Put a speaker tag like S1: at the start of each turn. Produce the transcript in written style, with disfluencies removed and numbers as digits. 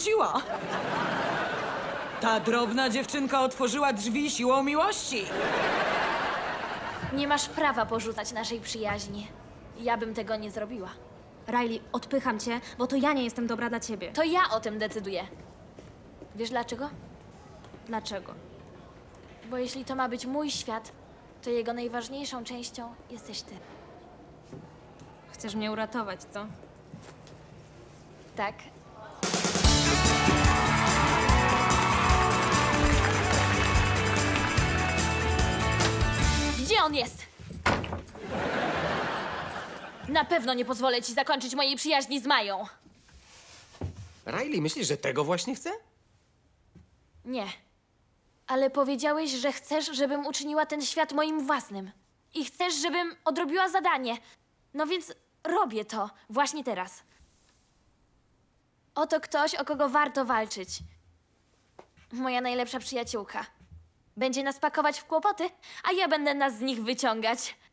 S1: wróciła. Ta drobna dziewczynka otworzyła drzwi siłą miłości.
S2: Nie masz prawa porzucać naszej przyjaźni. Ja bym tego nie zrobiła.
S3: Riley, odpycham cię, bo to ja nie jestem dobra dla ciebie.
S2: To ja o tym decyduję. Wiesz dlaczego?
S3: Dlaczego?
S2: Bo jeśli to ma być mój świat, to jego najważniejszą częścią jesteś ty.
S3: Chcesz mnie uratować, co?
S2: Tak? Gdzie on jest? Na pewno nie pozwolę ci zakończyć mojej przyjaźni z Mają.
S4: Riley, myślisz, że tego właśnie chce?
S2: Nie. Ale powiedziałeś, że chcesz, żebym uczyniła ten świat moim własnym. I chcesz, żebym odrobiła zadanie. No więc robię to właśnie teraz. Oto ktoś, o kogo warto walczyć. Moja najlepsza przyjaciółka. Będzie nas pakować w kłopoty, a ja będę nas z nich wyciągać.